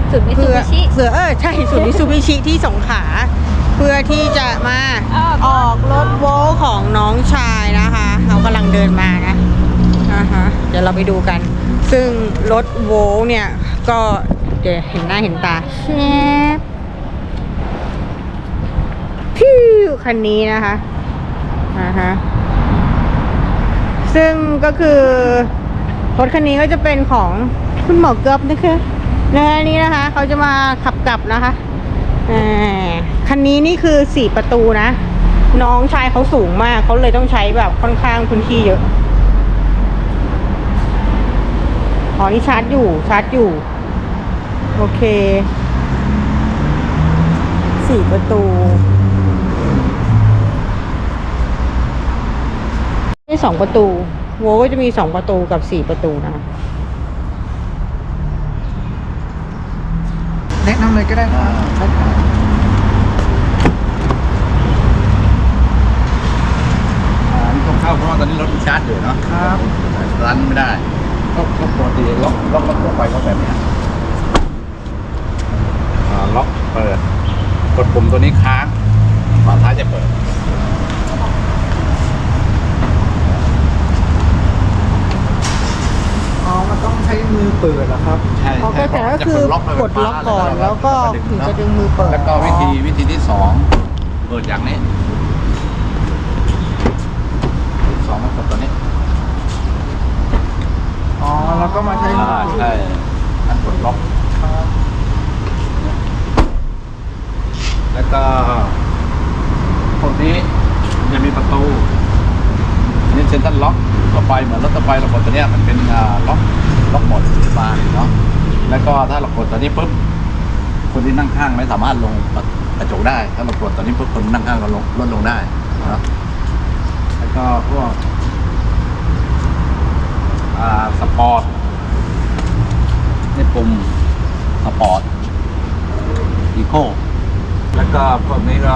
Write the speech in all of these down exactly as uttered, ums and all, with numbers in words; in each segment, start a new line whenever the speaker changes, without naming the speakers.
ศูนย์มิตซู
เพื่อ
บิชิ
เพื่อเออใช่ศูนย์มิตซูบิชิที่สงขลาเพื่อที่จะมาออกรถโวลต์ของน้องชายนะคะเขากำลังเดินมานะนะคะเดี๋ยวเราไปดูกัน ซึ่งรถโวลต์เนี่ยก็เดี๋ยวเห็นหน้าเห็นตาแชบพิ้วคันนี้นะคะนะคะซึ่งก็คือรถคันนี้ก็จะเป็นของคุณหมอเกือบนะคะในนี้นะคะเขาจะมาขับกลับนะคะคันนี้นี่คือสี่ประตูนะน้องชายเขาสูงมากเขาเลยต้องใช้แบบค่อนข้างพื้นที่เยอะอ๋อนี่ชาร์จอยู่ชาร์จอยู่โอเคสี่ประตูนี่สองประตูโวก็จะมีสองประตูกับสี่ประตูนะ
แนะนำเลยก็ได้ครับ
อันนี้ต้องเข้าเพราะว่าตอนนี้รถชาร์จอยู่เนาะ
ครับ
รันไม่ได้ก็ก็ปกติล็อกล็อกล็อกทั่วไปก็แบบนี้ล็อกเปิดกดปุ่มตัวนี้ค้างฝาท้ายจะเปิด
อ๋อมันต้องใช้มือเปิดเหรอครับ
ใช่
เขาก็แต่ก็คือกดล็อกก่อนแล้วก็ถึงจะดึงมือเปิด
แล้วก็วิธีวิธีที่สองเปิดอย่างนี้สองก็กดตัวนี้
อ๋อแล้วก็มาใช้มือ
ใช่อันกดล็อกแล้วก็คนนี้จะมีประตูนี่เซ็นทรัลล็อกต่อไปเหมือนรถต่อไปเรากดตัวนี้มันเป็นล็อกล็อกหมดบานเนาะแล้วก็ถ้าเรากดตัวนี้ปุ๊บคนที่นั่งข้างไม่สามารถลงกระจกได้ถ้าเรากดตัวนี้ปุ๊บคนนั่งข้างก็ลงลดลงได้เนาะแล้วก็พวกสปอร์ตนี่ปุ่มสปอร์ตอีโคแล้วก็พวกนี้ก็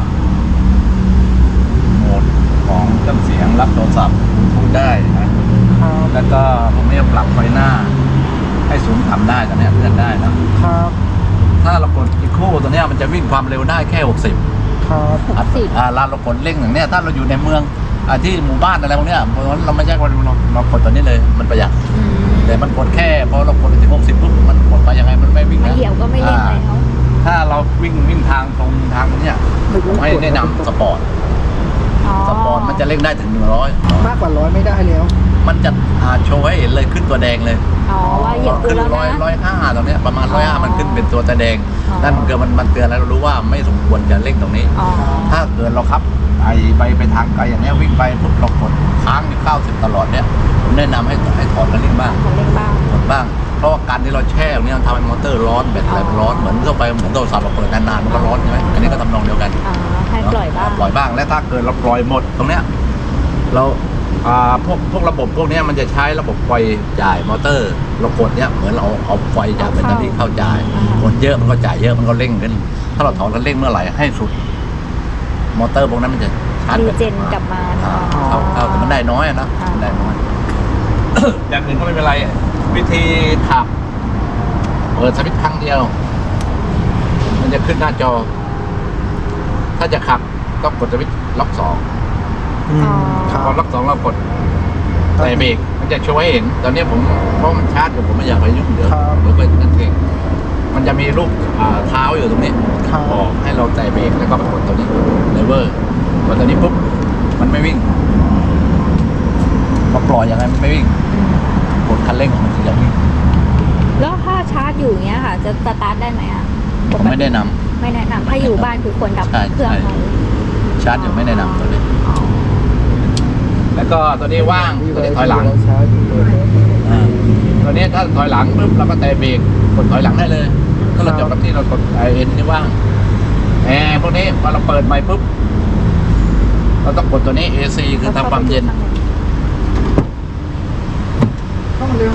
โหมดของเครื่องเสียงรับโทรศัพท์พูดได้นะแล้วก็พวกนี้ปรับไฟหน้าให้สูงต่ำได้ตอนนี้เลื่อนได้นะครับถ้าเรากดอีโคตัวนี้มันจะวิ่งความเร็วได้แค่หกสิบ
ครับ
หกสิบ
อ่าเรากดเร่งอย่างเนี้ยถ้าเราอยู่ในเมืองอ่าที่หมู่บ้านอะไรพวกเนี้ยเราไม่ใช่ว่าเราเรากดตัวนี้เลยมันประหยัดแต่มันกดแค่พอเรากดถึงหกสิบปุ๊บมันกดไปยังไงมันไม่วิ่งนะ
เหยียบก็ไม่เล่นเลยเขา
ถ้าเราวิ่งวิ่งทางตรงทางเนี้ยผมให้แนะนำสปอร์ตสปอร์ตมันจะเร่งได้ถึงหนึ่งร้อย
มากกว่าร้อยไม่ได้แล้ว
มันจะโชว์ให้เห็นเลยขึ้นตัวแดงเลย
อ๋อว่าเหยียบตัวแล้วนะ
ร้อยร้อยห้าตรงเนี้ยประมาณร้อยห้ามันขึ้นเป็นตัวแดงนั่นเกิดมันมันเตือนแล้วเรารู้ว่าไม่สมควรจะเร่งตรงนี้ถ้าเกิดเราขับไอไปไปทางไกลอย่างเนี้ยวิ่งไปปุ๊บเรากดค้างที่เก้าสิบตลอดเนี้ยผมแนะนำให้ให้ถอดคันเร่งบ้าง
คันเร่งบ้าง
ถอดบ้างเพราะว่าการที่เราแช่ตรงนี้มันทำให้มอเตอร์ร้อนแบตอะไรมันร้อนเหมือนเข้าไปเหมือนโทรศัพท์เราเปิดนานๆมันก็ร้อนใช่ไหมอันนี้ก็ทำนองเดียวกัน
อ๋อให้ปล่อยบ้าง
ปล่อยบ้างและถ้าเกิดเราปล่อยหมดตรงเนี้ยเราอ่าพวกพวกระบบพวกนี้มันจะใช้ระบบไฟจ่ายมอเตอร์เรากดเนี้ยเหมือนเราเอาไฟจากแบตเตอรี่เข้าจ่ายกดเยอะมันก็จ่ายเยอะมันก็เร่งขึ้นถ้าเราถอนคันเร่งเมื่อไหร่ให้สุดมอเตอร์พวกนั้นมันจะชาร์จ
รีเจนกลับมา
เข้าเข้าแต่มันได้น้อยนะได้น้อยอย่างอื่นก็ไม่เป็นไรวิธีขับเปิดสวิตช์ครั้งเดียวมันจะขึ้นหน้าจอถ้าจะขับต้องกดสวิตช์ล็อกสองพอล็อกสองเรากดใส่เบรกมันจะโชว์ให้เห็นตอนนี้ผมเพราะมันชาร์จอยู่ผมไม่อยากไปยุ่งเดี๋ยวเดี๋ยวไปนั่นเองมันจะมีรูปเท้าอยู่ตรงนี้บอกให้เราใส่เบรกแล้วก็กดตัวนี้เลเวอร์กดตัวนี้ปุ๊บมันไม่วิ่งมาปล่อยยังไงมันไม่วิ่งกดคันเร่งของมันถึงจะวิ่ง
แล้วถ้าชาร์จอยู่เงี้ยค่ะจะสตาร์ทได้ไหมอ่ะ
ผมไม่แนะนำ
ไม่แนะนำถ้าอยู่บ้านคือควรดับเครื่องไว้
ชาร์จอยู่ไม่แนะนำตัวนี้แล้วก็ตัวนี้ว่างตัวนี้ถอยหลังตัวนี้ถ้าถอยหลังปุ๊บเราก็แตะเบรกกดถอยหลังได้เลยถ้าเราจอดรถที่เรากดไอเอ็นนี่ว่างแอร์พวกนี้พอเราเปิดไมค์ปุ๊บเราต้องกดตัวนี้ เอ ซี คือทำความเย็น
ต้องเร็ว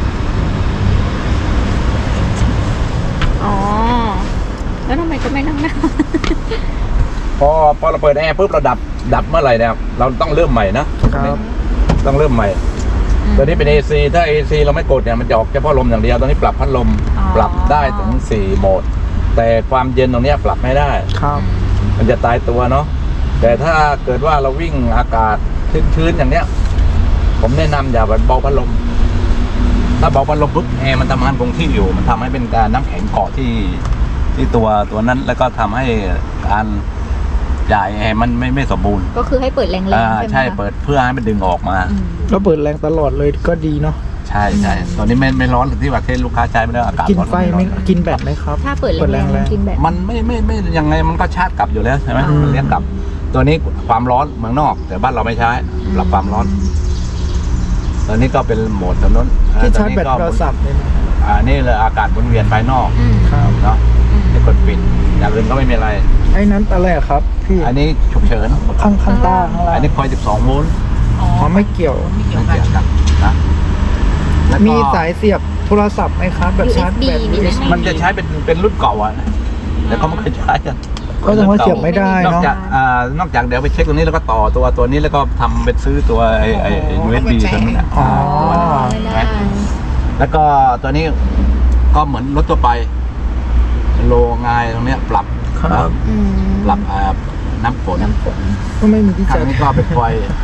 อ๋อแล้วทำไมก็ไม่นั่งหน้า
พอพอเราเปิดแอร์ปุ๊บเราดับดับเมื่อไหร่เนี่ยเราต้องเริ่มใหม่นะต้องเริ่มใหม่ตัวนี้เป็น เอ ซี ถ้า เอ ซี เราไม่กดเนี่ยมันจะออกเฉพาะลมอย่างเดียวตัวนี้ปรับพัดลม
อ๋อ
ปรับได้ถึงสี่โหมด แต่ความเย็นตรงเนี้ยปรับไม่ได้
ครับ
มันจะตายตัวเนาะแต่ถ้าเกิดว่าเราวิ่งอากาศชื้นๆอย่างเนี้ย ผมแนะนำอย่าเบาพัดลมถ้าเบาพัดลมปุ๊บแอร์มันทำงานคงที่อยู่ มันทำให้เป็นการน้ำแข็งเกาะที่ที่ตัวตัวนั้น แล้วก็ทำให้การจ่ายแอร์มันไม่ไม่สมบูรณ์
ก็คือให้เปิดแรงๆ
อ่า
ใช่ไหม
ใช่
คะ
เปิดเพื่อให้มันดึงออกมา
อืม
แล้วเปิดแรงตลอดเลยก็ดีเนาะ
ใช่ใช่ตอนนี้ไม่ไม่ร้อนหรือที่ว่าเทศลูกค้าใช้ไม่ได้อากาศ
กิน
ร้อน
ไฟไหม
ร้อน
กินแบตไหมครับ
ถ้าเปิด
เปิด
แร
แรง ง
ๆมันกินแบบ
มันไม่ไม่ไม่ยังไงมันก็ชาร์จกลับอยู่แล้วใช่ไหม
อืม
มันเรียกกลับ ตัวนี้ความร้อนเมืองนอก แต่บ้านเราไม่ใช้ปรับความร้อน ตอนนี้ก็เป็นโหมดถนน
ที่ชาร์จแบตโทรศัพท์เนี่ยนะ
อ่านี่เลยอากาศวนเวียนภายนอก
อืม
ครับ
เนาะให้กดปิดอย่างอื่นก็ไม่มีอะไร
ไอ้นั้นอะไรอะครับพี่
อันนี้ฉุกเฉิน
ข้างข้างใต้ข้างล่าง
อันนี้คอยสิบสองโวลต์
อ๋อ
อ๋อไม่เกี่ยว
ไม่เกี่ยว
ไม่
กัน
เกี่ยวกันนะแล้วก็
มีสายเสียบโทรศัพท์ไหมครับแบบชาร์จแบต
ยู เอส บี
มันจะใช้เป็นเป็นรุ่นเก่าอ่ะแต่เขาไม่เคยใช้กัน
ก็ต้องว่าเสียบไม่ได้
นอก
เนาะ
จากอ่านอกจากเดี๋ยวไปเช็คตรงนี้แล้วก็ต่อตัวตัวนี้แล้วก็ทำเป็นซื้อตัวไอ้ไอ้ ยู เอส บี ตัวนี้นะ
อ๋อ
ไม่ได้
แล้วก็ตัวนี้ก็เหมือนรถทั่วไปโลงายตรงเนี้ยปรับ
ครับ
อืม
ปรับอ่าน้ำฝน
น้ำฝน
ก็ไม่มีที่
ครั้
ชาง ร์จ
นี้ก็เป็นไฟ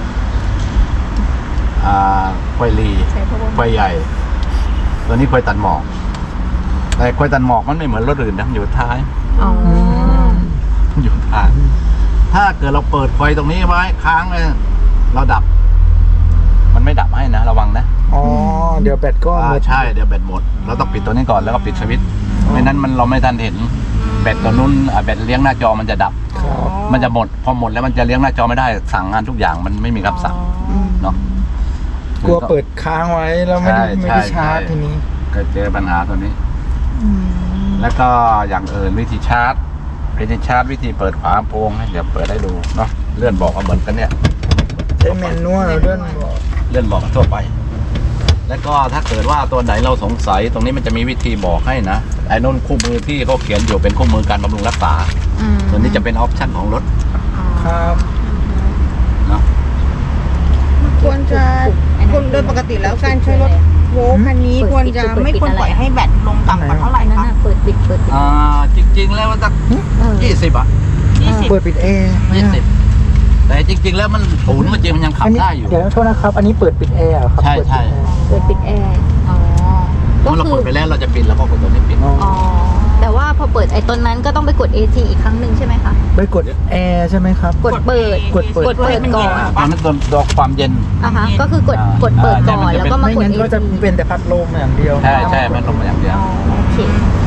อ่าไฟลี
ใช้เพราะว่า
ไฟใหญ่ ตัวนี้ไฟตัดหมอกแต่ไฟตัดหมอกมันไม่เหมือนรถอื่นนะมันอยู่ท้าย
อ๋อ
มันอยู่ท้ายถ้าเกิดเราเปิดไฟตรงนี้ไว้ค้างเลยเราดับ มันไม่ดับให้นะระวังนะ
อ๋อเดี๋ยวแบตก็ห
อ่าม
ด
ใช่เดี๋ยวแบตหมด เราต้องปิดตัวนี้ก่อนแล้วก็ปิดสวิตช์ไม่นั้นมันเราไม่ทันเห็นแบตตัวนู้นอ่าแบตเลี้ยงหน้าจอมันจะดับ
ครับ
มันจะหมดพอหมดแล้วมันจะเลี้ยงหน้าจอไม่ได้สั่งงานทุกอย่างมันไม่มีคำสั่งเนาะ
กลัวเปิดค้างไว้แล้วไม่ได้
ใช่
ไม่ได้
ใช่
ชาร์จ
ใช่
ทีนี้
ก็เจอปัญหาตัวนี้ แล้วก็อย่างอื่นวิธีชาร์จวิธีชาร์จวิธีเปิดฝาโปร่งให้เดี๋ยวเปิดให้ดูเนาะเลื่อนบอกว่าเหมือนกันเนี่ย
ใช้แมนนวลเลื่อนบอก
เลื่อนบอกทั่วไป แล้วก็ถ้าเกิดว่าตัวไหนเราสงสัยตรงนี้มันจะมีวิธีบอกให้นะไอ้นุ่นคู่มือที่เขาเขียนอยู่เป็นคู่มือการบำรุงรักษา
อืม
ส่วนนี้จะเป็นออปชั่นของรถ
ครับ
เนาะ
ควรจะควรโดยปกติแล้วการใช้รถโวลต์คันนี้ควรจะไม่ควรปล่อยให้แบตลงต่ำกว่าเท่าไหร่
นั่น
คะ
น่ะเปิดปิดเปิดปิด
อ่าจริง ๆ แล้วมันสัก
เออ
ยี่สิบอ่ะ
ยี่สิบ
เปิดปิดแอร์ไหม
ยี่
อะ
สิบแต่จริง ๆ แล้วมันศูนย์มันจริงมันยังขับ
อันนี้
ได้อยู่
เดี๋ยวโทษนะครับ อันนี้เปิดปิดแอร์เหรอครับ
ใช่
เปิด
ใช่
ปิดแอร์
เปิดปิดแอร์ อ๋อ ก็
เมื่อเรา
คื
เปิ
อ
ดไปแล้วเราจะปิดแล้วก็กดตัวนี้ปิด
อ๋อ
อ๋อ แต่ว่าพอเปิดไอ้ต้นนั้นก็ต้องไปกด เอ ซี อีกครั้งหนึ่งใช่ไหมคะ
ไปกดแอร์ใช่ไหมครับ
กดเปิด
กดเปิด
กดเปิดก่อน
อ่าตอนนั้นตัวตัวความเย็น
อ่ะฮะ ก็คือกด
อ่าก
ดเปิดก่อน
อ่า
แล้วก็มา
ไม่
กด
งั้น
เอ
ก็จะ
ซี
เป็นแต่พัดลมอย่างเดียว
ใช่ใช่มันลงมาอย่างเดียว
อ๋อโอเค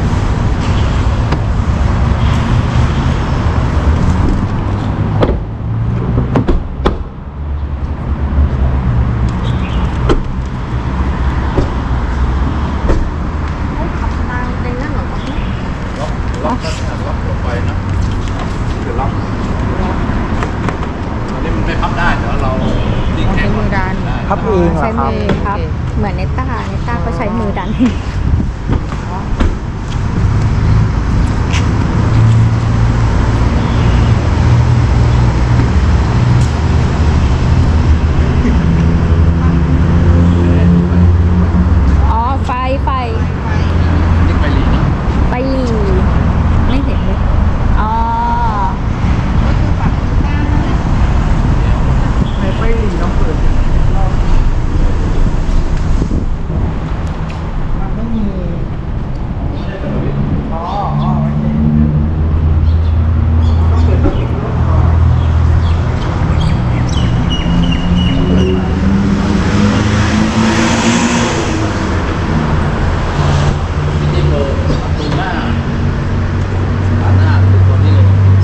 ล็อกล็อกล็อกลงไปนะคือล็อกอันนี้มันไม่พับได้เดี๋ยวเราดิ้งแข็ง
ใช้มือดัน
ได้
พับเองเหรอ
ใช้
ครับ
มือครับ เหมือนเนต้าเนต้าก็ใช้มือดัน อ๋อ ไฟ ไฟ
ดิ้งไปลีนะ
ไฟหลีไม่เห็นเลย อ๋อ
ไหนไปหลีน้องเปิดมันไม่มีอ๋ออ๋อโอเคต้องเปิดตัวปิดรถก่อน
ดิ้งเบอร์ประตูหน้าด้านหน้าคือตัวนี้เลย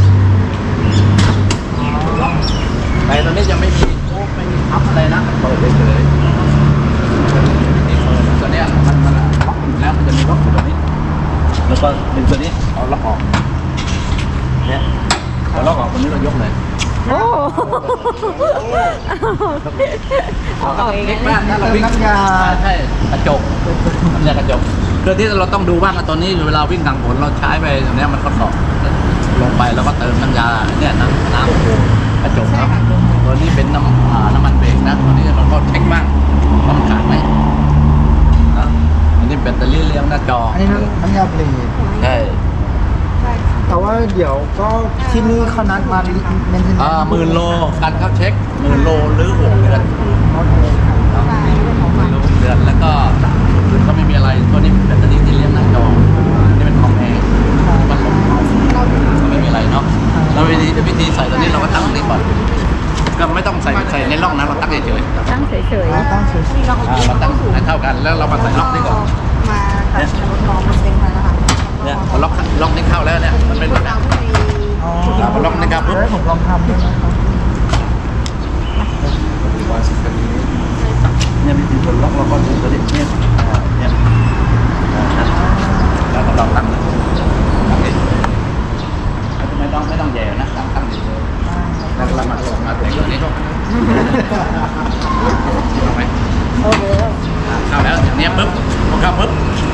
ล็อกแต่ตอนนี้ยังไม่มีโอ้ไม่มีพับอะไรนะเปิดเฉยๆนี่เปิดตัวเนี้ยมันมันล็อกอยู่แล้วมันจะมีล็อกอยู่ตรงนี้ แล้วก็ดึงตัวนี้เอาล็อกออกเนี่ยเอาล็อกออกตัวนี้เรายกเลย
โอ้เอาออกเอง
เล็ก
นะ
มากถ้าเราวิ่ง
น้ำยา
ใช่กระจกน้ำยากระจกคือที่เราต้องดูบ้างอะตอนนี้เวลาวิ่งกลางฝนเราใช้ไปตรงเนี้ยมันทดสอบลงไปแล้วก็เติมน้ำยาเนี่ยน้ำน้ำกระจกครับตัวนี้เป็นน้ำอ่าน้ำมันเบรกนะตัวนี้เราก็เช็คบ้างว่ามันขาดไหมนะอันนี้แบตเตอรี่เลี้ยงหน้าจอ
อันนี้น้ำยาเบรก
ใช่
แต่ว่าเดี๋ยวก็ที่นี่เขานัดมาเมนเทน
อ่าหมื่นโลการเข้าเช็คหมื่นโลหรือหกเดือนหมื่นโลหกเดือนแล้วก็ก็ไม่มีอะไรตัวนี้แบตเตอรี่ที่เลี้ยงหน้าจอนี่เป็นของแอร์มันลงก็ไม่มีอะไรเนาะแล้ววิธีวิธีใส่ตัวนี้เราก็ตั้งตรงนี้ก่อนก็ไม่ต้องใส่ใส่ในร่องนะเราตั้งเฉยๆ
ตั้งเฉย
ตั้งเฉย
อ่าเราตั้งให้เท่ากันแล้วเรามาใส่ล็อกนี่ก่อน
มากับรถน้องมันเป็นมาแล้วค่ะ
เนี่ยพอล็อกล็อกนี่เข้าแล้วเนี่ยมันเป็นแบบนี้
อ๋อ
อ่าพอล็อกนี่ครับปุ๊บ
เดี๋ยวผมลองทำด้วยนะครับ
เนี่ยมีตัวล็อกเราก็ดูตัวนี้เนี่ยอ่าเนี่ยอ่าแล้วก็ลองตั้งเลยตั้งเองไม่ต้องไม่ต้องแย่นะตั้งตั้งเฉยๆแล้วเรามามาถึงตัวนี้เข้าไหม
โอเคแล้ว
อ่าเข้าแล้วอย่างเนี้ยปุ๊บพอเข้าปุ๊บ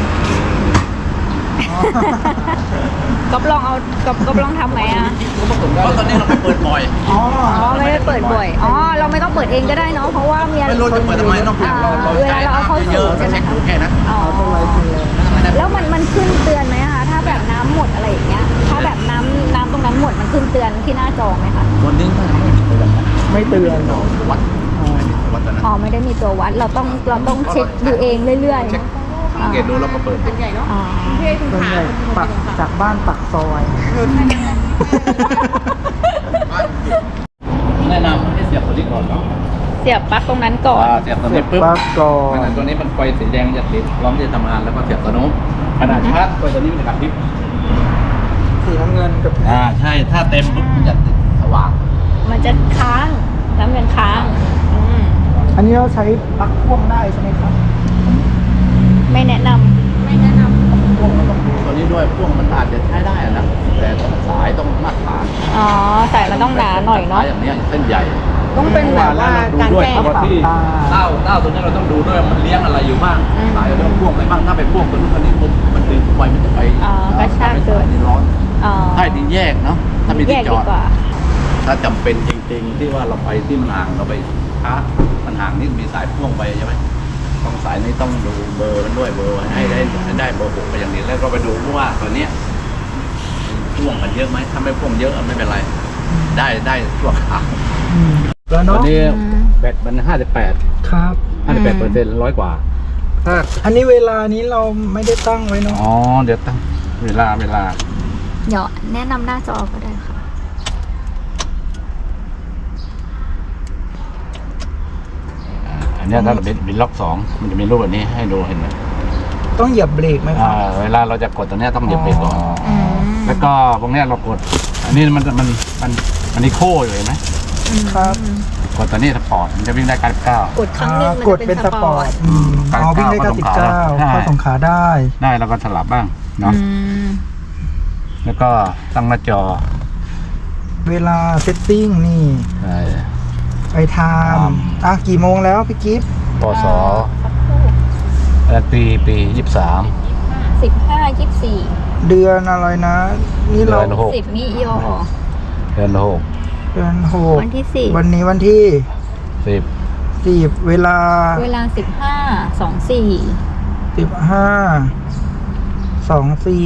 ๆก๊อฟลองเอาก๊อฟก๊อฟลองทำไหมอ่ะ
เพราะตอนนี้เราไปเปิดบ่อย
อ๋อ
อ๋อไม่ได้เปิดบ่อยอ๋อเราไม่ต้องเปิดเองก็ได้เนาะเพราะว่ามีอะไร
ไม่รู้จะเปิดทำไมต้อง
อ่า
เราเรา
เวลาเราเอาเข้า
เย
สู่
อะๆก็
ใช่ไหม
เช็ค
คะ
ดูแค่นั้น
อ๋อ
ต้นไม้คือเลย
แล้วมันมันขึ้นเตือนไหมคะถ้าแบบน้ำหมดอะไรอย่างเงี้ยถ้าแบบน้ำน้ำตรงนั้นหมดมันขึ้นเตือนที่หน้าจอไหมคะ
วันนี้ก็ยังไม่มีเตือนนะ
ไม่เตือนหรอ
วัดไม่มีวัดตอนนั้น
อ๋อไม่ได้มีตัววัดเราต้องเราต้องเช็คดูเองเรื่อย
เช็คสังเกตดูแล้วก็เปิดดู
ๆอ๋อ
ส่วนใหญ่ปักจากบ้านปักซอย
แนะนำให้เสียบตัวนี้ก่อนเนาะ
เสียบปลั๊กตรงนั้นก่อน
อ่าเสียบตัวนี้ปุ๊บ
ปักก่อ
ข
น
ณะตัวนี้มันไฟสีแดงจะติดพร้อมที่จะทำงานแล้วก็เสียบตัวโน้นขณะชาร์จไฟตัวนี้มันจะกระพริบ
สีน้ำเงินกับ
อ่าใช่ถ้าเต็มปุ๊บมันจะติดสว่าง
มันจะค้างน้ำเงินค้างอืม
อันนี้เราใช้ปลั๊กพ่วงได้ใช่ไหมครับ
ไม่แนะนำไม่แนะนำ
พ่วงมันต้องดูตัวนี้ด้วยพ่วงมันอาจจะใช้ได้อะนะแต่ต้องสายต้องมาตรฐาน
อ๋อสายมันต้องหนาหน่อยเนาะ
สายอย่างเนี้ยเส้นใหญ่
ต้องเป็นแบบว่าการแก้
เพราะว่าที่เต้าเต้าตัวนี้เราต้องดูด้วยว่ามันเลี้ยงอะไรอยู่บ้างสายเราต้องพ่วงไปบ้างถ้าไปพ่วงตัวนู้นตัวนี้ปุ๊บมันดึงไฟมันจะไป
อ๋อกระชากเกิน
นี่ร้อน
อ๋อ
ถ้าดีแยกเนาะถ้ามี
แย
ที่
ก
จ
ดี
อด
กว่า
ถ้าจำเป็นจริงๆที่ว่าเราไปที่มันห่างเราไปช้ามันห่างนี่มีสายพ่วงไปใช่ไหมต้องสายนี้ต้องดูเบอร์มันด้วยเบอร์ให้ได้ให้ได้เบอร์หกไปอย่างนี้แล้วก็ไปดูว่าตัวเนี้ยพ่วงมันเยอะไหมถ้าไม่พ่วงเยอะไม่เป็นไร ได้ได้ชั่วคราว
อืมแล้ว
ตอ
เนาะ
นนี้แบตมันห้าสิบแปด
ครับ
ห้าสิบแปดเปอร์เซ็นต์ร้อยกว่าถ้า
อันนี้เวลานี้เราไม่ได้ตั้งไว้เนาะ
อ๋อเดี๋ยวตั้งเวลาเวลา
เดี๋ยวแนะนำหน้าจอก็ได้ค่ะ
อ่าอันเนี้ยถ้าเราเป็นเป็นล็อกสองมันจะมีรูปแบบนี้ให้ดูเห็นไหม
ต้องเหยียบเบรกไหมครั
อ่า
บ
เวลาเราจะกดตัวเนี้ยต้องเหยียบเบรกก่อน
อืม
แล้วก็ตรงเนี้ยเรากด อันนี้มันมันมันมันนี่โค้อยู่เห็นไหม
ครับ
กดตัวนี้สปอร์ตมันจะวิ่งได้เก้าสิบเก้าก
ดครั้งหนึงมัน
ก
จะ
ด
เป็
เป็น น
ส
ส
ป
ป
อ
อ
ร์
ร์
ต
ตอืมอ๋อวิ่งได้เก้าสิบเก้าเข้าสงขลาได้
ได้แล้วก็สลับบ้างเนาะ
อืม
แล้วก็ตั้งหน้าจอ
เวลาเซตติ้งนี่
ใช่
ไปไทม์อ่ะกี่โมงแล้วพี่กิฟต์
พศปีปียี่สิบสาม
สิบห้ายี่สิบสี่
เดือนอะไรนะ นี่เรา
เดือนหก
สิบมิยอ
เดือนหก
เดือนหก
วันที่สิบ
วันนี้วันที่
สิบ
สิบเวลา
เวลาสิบห้าสองสี่
สิบห้าสองสี่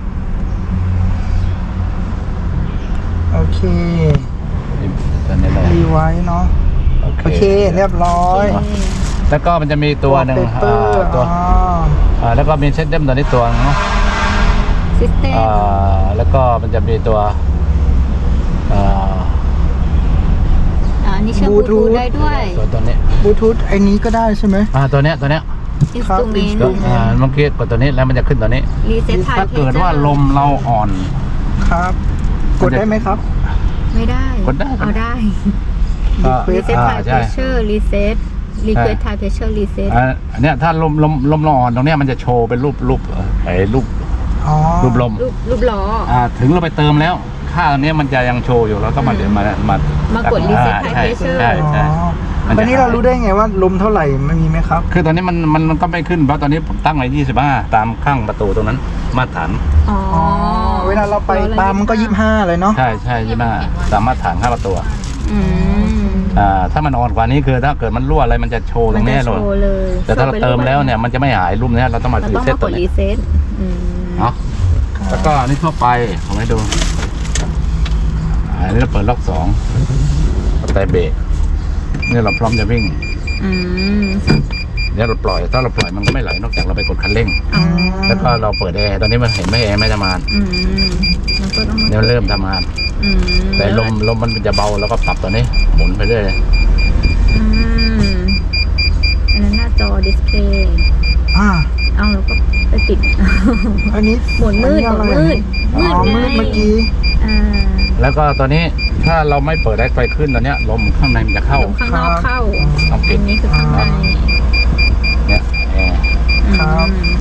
โอเค
ตอนนี้เลย
รีไว้เนาะโอเค เรียบร้อย
แล้วก็มันจะมีตัวหนึ่ง
เปอ
อ่า
ร์
ตัว
อ๋อ
อ่าแล้วก็มีเซตเดมตัวนี้ตัวนึงเนาะ
ซิสเต็ม
อ่าแล้วก็มันจะมีตัวอ่า
อ่านี่เชื่อมบลูทูธได้ด้วย
ตัวตัวนี้
บลูทูธไอ้นี้ก็ได้ใช่ไหม
อ่าตัวเนี้ยตัวเนี้ย
อินส
ครับ
ตูเมน
ตัวอ่าเมื่อกี้กดตัวนี้แล้วมันจะขึ้นตัวนี้
รีเซ็ตไท
ถ้าเกิดว่าลมเราอ่อน
ครับ กดได้ไหมครับ
ไม่ได้
กดได้
เอาได้
ก็
รีเซ็ต
อ่า
ไทเพ
ใช่
รสเชอร์รีเซ็ตรีเควสไทเพรสเชอร์รีเซ็ต
อ่าอันเนี้ยถ้าลมลมลมเราอ่อนตรงเนี้ยมันจะโชว์เป็นรูปรูปเอ่อไอ้รูป
อ๋อ
รูปลม
รูปรูปล้อ
อ่าถึงเราไปเติมแล้ว ค่าอันเนี้ยมันจะยังโชว์อยู่เราต้องมาเดี๋ยวมามามาม
ากด reset
อ่า
high
ใช่
pressure
ใช่ใช่
อ๋อ
มันจะ
ตอนนี้เรารู้ได้ไงว่าลมเท่าไหร่ไม่มีไหมครับ
คือตอนนี้มันมันมันก็ไม่ขึ้นเพราะตอนนี้ผมตั้งไว้ยี่สิบห้าตามข้างประตูตรงนั้นมาตรฐาน
อ๋อ
อ๋อ เวลาเราไปตามมันก็ยี่สิบห้าเลยเนาะ
ใช่ใช่ยี่ห้าตามมาตรฐานข้างประตู
อืม
อ่าถ้ามันอ่อนกว่านี้คือถ้าเกิดมันรั่วอะไรมันจะโชว์ตรงนี้
มันจะ
เลย
โชว์เลย
แต่ถ้าเราเติมแล้วเนี่ยมันจะไม่หายรุ่มเนี้ยเราต้องมา
เรา
รี
ต้อง
เซ็ต
มาก
ตั
ด
ว
รี
นี้
เซ็ตอืม
เนาะแล้วก็อันนี้ทั่วไปผมให้ดูอ่าอันนี้เราเปิดล็อกสองแต่เบรกนี่เราพร้อมจะวิ่ง
อืม
เดี๋ยวเราปล่อยถ้าเราปล่อยมันก็ไม่ไหลนอกจากเราไปกดคันเร่ง
อ๋อ
แล้วก็เราเปิดแอร์ตอนนี้มันเห็นไหมแอร์ไม่ทำงาน
อืมมันก็ต้องมา
เนี่ยเริ่มทำงาน
อืม
แต่ลมลมมันจะเบาแล้วก็ปรับตัวนี้หมุนไปเรื่อย
อืมอันนั้นหน้าจอดิสเพลย์
อ่า
เอาแล้วก็ไปติด
อันนี้
หมุนมืด
อั
หมุน
อะไร
มืด
อ๋อ
มื
มื
ด
ด
ไง
เมื่อกี้
อ่า
แล้วก็ตอนนี้ถ้าเราไม่เปิดแอร์ไฟขึ้นตอนเนี้ยลมข้างในมันจะเข้า
ลมข้างนอกเข้า
ต้องปิ
อั
ด
นนี้คือข้างใน
เนี่ยแอร์
ครับ
อืม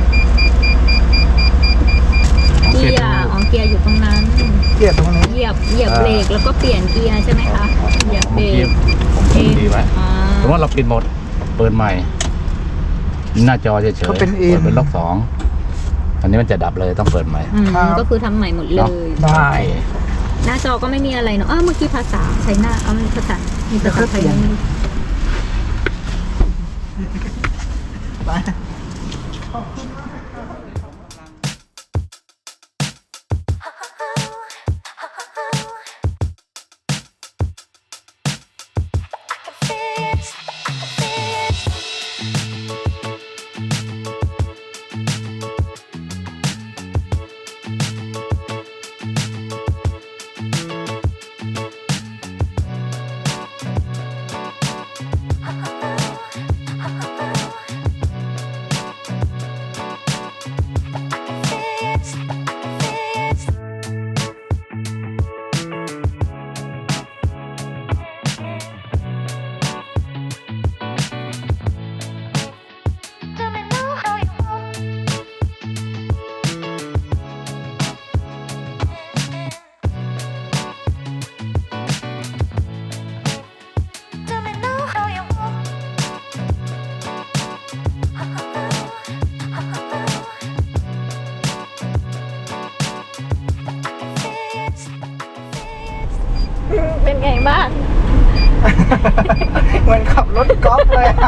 เกียร์อ๋อเกียร์อยู่ตรงนั้น
เกียร์ตรงนี้
เหยียบเหยียบเบรกแล้วก็เปลี่ยนเกียร์ใช่ไหมคะเหยียบเบรก
ผมพิมพ์ดีไว้
อ่า
สมมติเราปิดหมดเปิดใหม่ หน้าจอเฉยๆ
ก็เป็นเอ็น
เปิดเป็นล็อกสองอันนี้มันจะดับเลยต้องเปิดใหม่
อืม
ครับ
ก็คือทำใหม่หมดเล
เนาะ
ย
ได้
หน้าจอก็ไม่มีอะไรเนาะอ้าวเมื่อกี้ภาษาใช้หน้าเอามีภาษามีภาษาไทยไหม
ไป
เป็นไงบ้าง
เหมือนขับรถกอล์ฟเลยอะ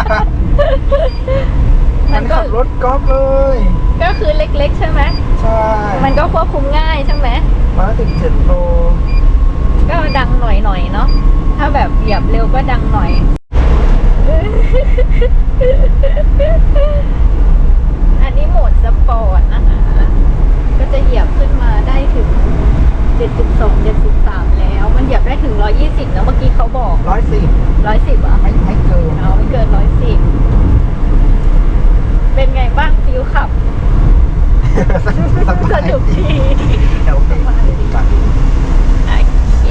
เห
มั
มัน น
ก็
ขับรถกอล์ฟเลย
ก็คือเล็กๆใช่ไหม
ใช่
มันก็ควบคุมง่ายใช่ไหม
มาถึงเจ็ดโล
ก็ดังหน่อยๆเนาะ ถ้าแบบเหยียบเร็วก็ดังหน่อย อันนี้โหมดสปอร์ตนะคะ ก็จะเหยียบขึ้นมาได้ถึง เจ็ดสิบสอง เจ็ดสิบสาม แล้ว มันเหยียบได้ถึง หนึ่งร้อยยี่สิบแล้วเมื่อกี้เขาบอก
ร้อยสิบ
หนึ่งร้อยสิบอ่ะ
ไม่ไม่เกิน
เอาไม่เกิน หนึ่งร้อยสิบ เป็นไงบ้างฟิลขับ สนุกดี
เดี๋ยวโอเคไป
โอเค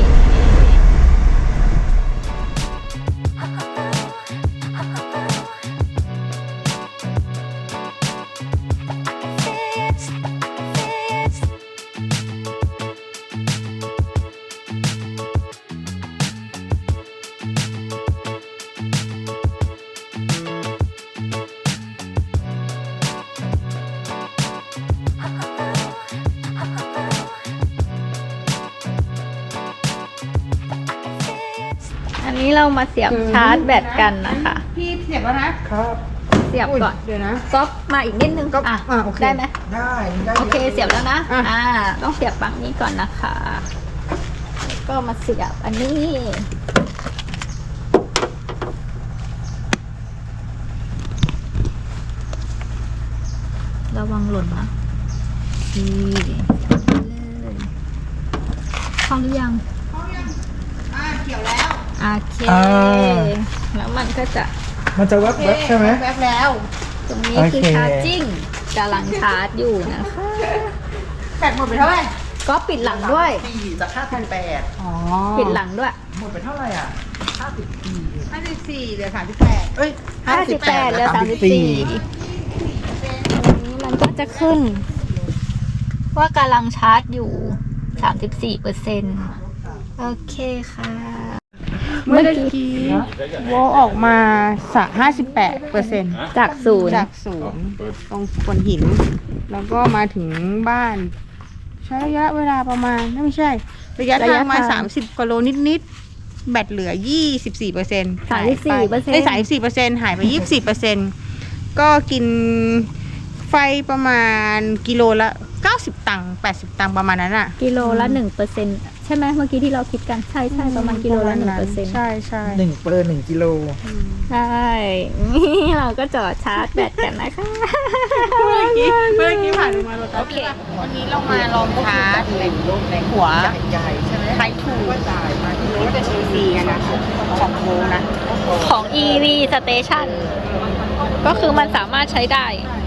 อันนี้เรามาเสียบชาร์จแบตกันนะคะ
พี่เสียบแล้วนะครับ
เสียบก่อน
เดี๋ยวนะ
ก็มาอีกนิดนึง
ก็
อ่ะ
อ่ะโอเค
ได้ไหม
ได้ได้
โอเคเสียบแล้วนะ
อ่ะ
อ่า ต้องเสียบปลั๊กนี้ก่อนนะคะแล้วก็มาเสียบอันนี้ ระวังหล่นนะนี่เสียบไปเลยเข้าหรือยัง
อ่าเขียวแล้ว
โอเค แล้วมันก็จะ
มันจะแวบๆใช่ไหม
แวบแล้ว
ตรงนี้
โอ
คือ
เค
ชาร์จจิ้งกำลังชาร์จอยู่นะคะ
แบตหมดไปเท่าไหร่
ก็ปิดหลังด้วย
สี่จากห้าพันแปด
อ๋อ
ปิดหลังด้วย
หมดไปเท่าไหร่อ่ะห้าสิบสี่
ห้าสิบสี่เหลือสามสิบแปด
เอ้ย
ห้าสิบแปดเหลือสามสิบสี่ตรงนี้มันก็จะขึ้น ว่ากำลังชาร์จอยู่สามสิบสี่เปอร์เซ็นต์โอเคค่ะ
เมื่อกี้โวลต์ออกมาสักห้าสิบแปดเปอร์เซ็นต์
จากศูนย์
จากศูนย์ตรงโขดหิน แล้วก็มาถึงบ้าน ใช้ระยะเวลาประมาณไม่ใช่ ระยะทางมาสามสิบกิโลนิดแบตเหลือ ยี่สิบสี่เปอร์เซ็นต์
สามสิบสี่เปอร์เซ็นต์
ได้สามสิบสี่เปอร์เซ็นต์หายไป ยี่สิบสี่เปอร์เซ็นต์ ก็กินไฟประมาณกิโลละเก้าสิบตังค์แปดสิบตังค์ประมาณนั้นอ่ะ
กิโลละหนึ่งเปอร์เซ็นต์ใช่ไหมเมื่อกี้ที่เราคิดกันใช่ใช่ประมาณกิโลละหนึ่งเปอร์เซ็นต์
ใช่ใช่
หนึ่งเปอร์หนึ่งกิโล
ใช่นี่เราก็จอดชาร์จแบตกันนะคะ
เมื่อกี้เมื่อกี้ผ่านมาโรตัส
โอเค
วันนี้เรามาลองชาร์จในหัว
ใหญ่ใช่ไหม
ไททูที่เป็น เอ ซี กันนะของโวนะ
ของ อี วี Station ก็คือมันสามารถใช้ได้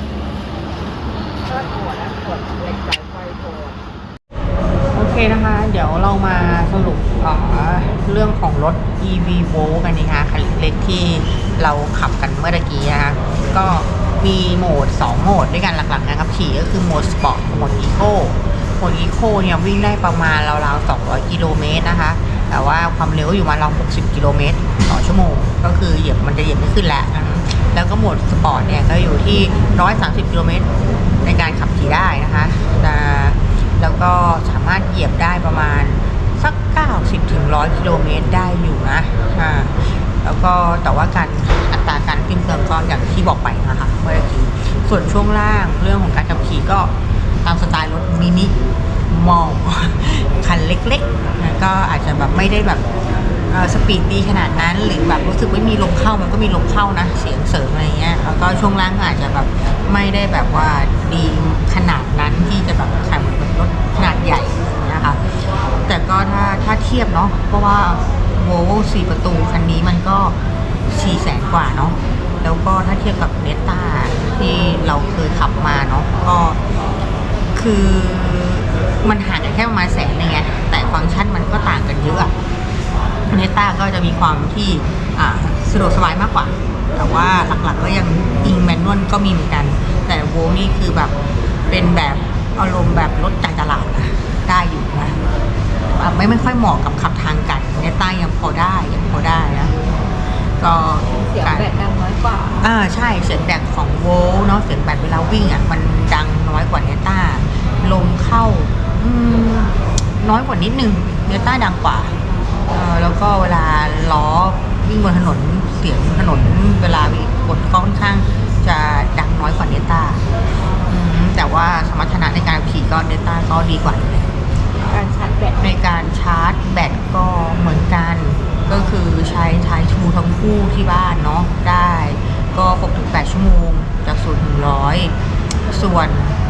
โอเคนะคะ เดี๋ยวเรามาสรุปเอ่อเรื่องของรถ อี วี Volt กันนะคะคันเล็กที่เราขับกันเมื่อตะกี้นะคะก็มีโหมดสองโหมดด้วยกันหลักๆนะครับขี่ก็คือโหมดสปอร์ตกับโหมดอีโคโหมดอีโคเนี่ยวิ่งได้ประมาณราวๆสองร้อยกิโลเมตรนะคะแต่ว่าความเร็วอยู่มาราวหกสิบกิโลเมตรต่อชั่วโมงก็คือเหยียบมันจะเหยียบไม่ขึ้นแล้วแล้วก็โหมดสปอร์ตเนี่ยก็อยู่ที่หนึ่งร้อยสามสิบกิโลเมตรในการขับขี่ได้นะคะแต่แล้วก็สามารถเหยียบได้ประมาณสักเก้าสิบถึงหนึ่งร้อยกิโลเมตรได้อยู่นะอ่าแล้วก็แต่ว่าการอัตราการขึ้นเติมก็อย่างที่บอกไปนะคะเมื่อกี้ส่วนช่วงล่างเรื่องของการขับขี่ก็ตามสไตล์รถมินิมอลคันเล็กๆนะก็อาจจะแบบไม่ได้แบบสปีดดีขนาดนั้นหรือแบบรู้สึกไม่มีลมเข้ามันก็มีลมเข้านะเสียงเสริมอะไรเงี้ยแล้วก็ช่วงล่างอาจจะแบบไม่ได้แบบว่าดีขนาดนั้นที่จะแบบแข่งเหมือนรถขนาดใหญ่อย่างเงี้ยค่ะแต่ก็ถ้าถ้าเทียบเนาะเพราะว่าโวลโว่สี่ประตูคันนี้มันก็สี่แสนกว่าเนาะแล้วก็ถ้าเทียบกับเนต้าที่เราเคยขับมาเนาะก็คือมันห่างกันแค่ประมาณแสนนึงไงแต่ฟังก์ชันมันก็ต่างกันเยอะเนต้าก็จะมีความที่สะดวกสบายมากกว่าแต่ว่าหลักๆก็ยังอิงแมนนวลก็มีเหมือนกันแต่โวลนี่คือแบบเป็นแบบอารมณ์แบบรถจ่ายตลาดนะได้อยู่นะไม่ไม่ค่อยเหมาะกับขับทางไกลเนต้ายังพอได้ยังพอได้นะก็
เสียงแบตดังน้อยกว่า
อ่าใช่เสียงแบตของโวลเนาะเสียงแบตเวลาวิ่งอ่ะมันดังน้อยกว่าเนต้าลมเข้าอืมน้อยกว่านิดนึงเนต้าดังกว่าเอ่อแล้วก็เวลาล้อวิ่งบนถนนเสียงถนนเวลาวิ่งกดก็ค่อนข้างจะดังน้อยกว่าเนต้าแต่ว่าสมรรถนะในการขี่ก็เนต้าก็ดีกว่า
การชาร์จแบต
ในการชาร์จแบตก็เหมือนกันก็คือใช้ไททูทั้งคู่ที่บ้านเนาะได้ก็ หกถึงแปด ชั่วโมงจากศูนย์ถึงร้อยส่วน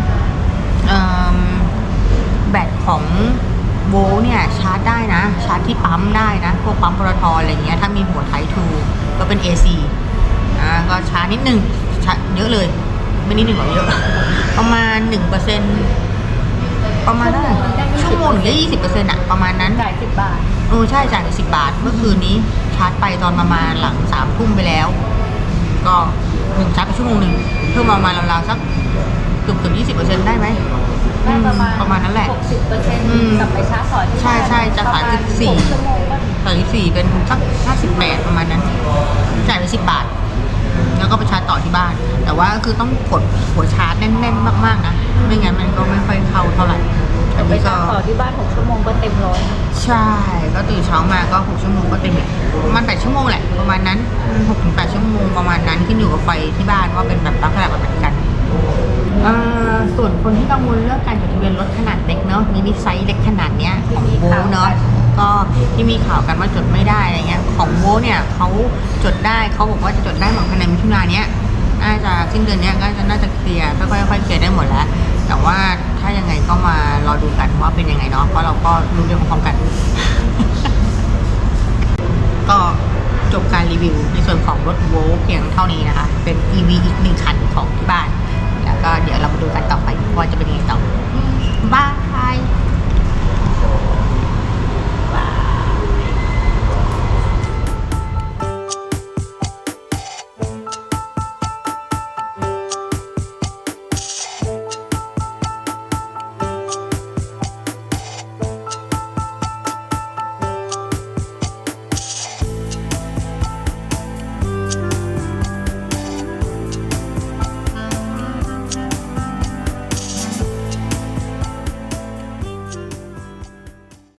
แบตของโวลเนี่ยชาร์จได้นะชาร์จที่ปั๊มได้นะพวกปั๊มปตทอะไรเงี้ยถ้ามีหัวไททูก็เป็น เอ ซี อ่าก็ชาร์จนิดนึงชาร์จเยอะเลยไม่นิดนึงหรอกเยอะประมาณ หนึ่งเปอร์เซ็นต์ ประมาณได้ชั่วโมงหรือยี่สิบเปอร์เซ็นต์อะประมาณนั้น
จ่ายสิบบาท
เออใช่จ่ายสิบบาทเมื่อคืนนี้ชาร์จไปตอนประมาณหลังสามทุ่มไปแล้วก็หนึ่งชาร์จไปชั่วโมงหนึ่งเพิ่มประมาณราวๆสักเกือบเกือบยี่สิบเปอร์เซ็นต์ได้ไหม
ได้ประมาณ
ประมาณนั้นแหละ
หกสิบเปอร์เซ็นต์กลับไปชาร์จต่อที่
ใช่ใช่จากสามสิบสี่สามสิบสี่เป็นสักห้าสิบแปดประมาณนั้นจ่ายไปสิบบาทแล้วก็ไปชาร์จต่อที่บ้านแต่ว่าคือต้องกดหัวชาร์จแน่นๆมากๆนะไม่งั้นมันก็ไม่ค่อยเข้าเท่าไหร่
ไปชาร์จต่อที่บ้านหกชั่วโมงก็เต็มร้อย
ใช่ก็ตื่นเช้ามาก็หกชั่วโมงก็เต็มแหละประมาณแปดชั่วโมงแหละประมาณนั้นหกถึงแปดชั่วโมงประมาณนั้นขึ้นอยู่กับไฟที่บ้านว่าเป็นแบบลักษณะแบบไหนกันส่วนคนที่กังวลเรื่องการจดทะเบียนรถขนาดเล็กเนาะมินิไซส์เล็กขนาดเนี้ยของโวเนาะก็ที่มีข่าวกันว่าจดไม่ได้อะไรเงี้ยของโวเนี่ยเขาจดได้เขาบอกว่าจะจดได้หมดภายในมิถุนายนเนี้ยน่าจะสิ้นเดือนนี้ก็จะน่าจะเคลียร์ค่อยๆเคลียร์ได้หมดแล้วแต่ว่าถ้ายังไงก็มารอดูกันว่าเป็นยังไงเนาะเพราะเราก็รู้เรื่องพร้อมกัน ก็จบการรีวิวในส่วนของรถโวลเพียงเท่านี้นะคะเป็น อี วี อีกหนึ่งคันของที่บ้านแล้วก็เดี๋ยวเรามาดูกันต่อไปว่าจะเป็นยังไงต่อบาย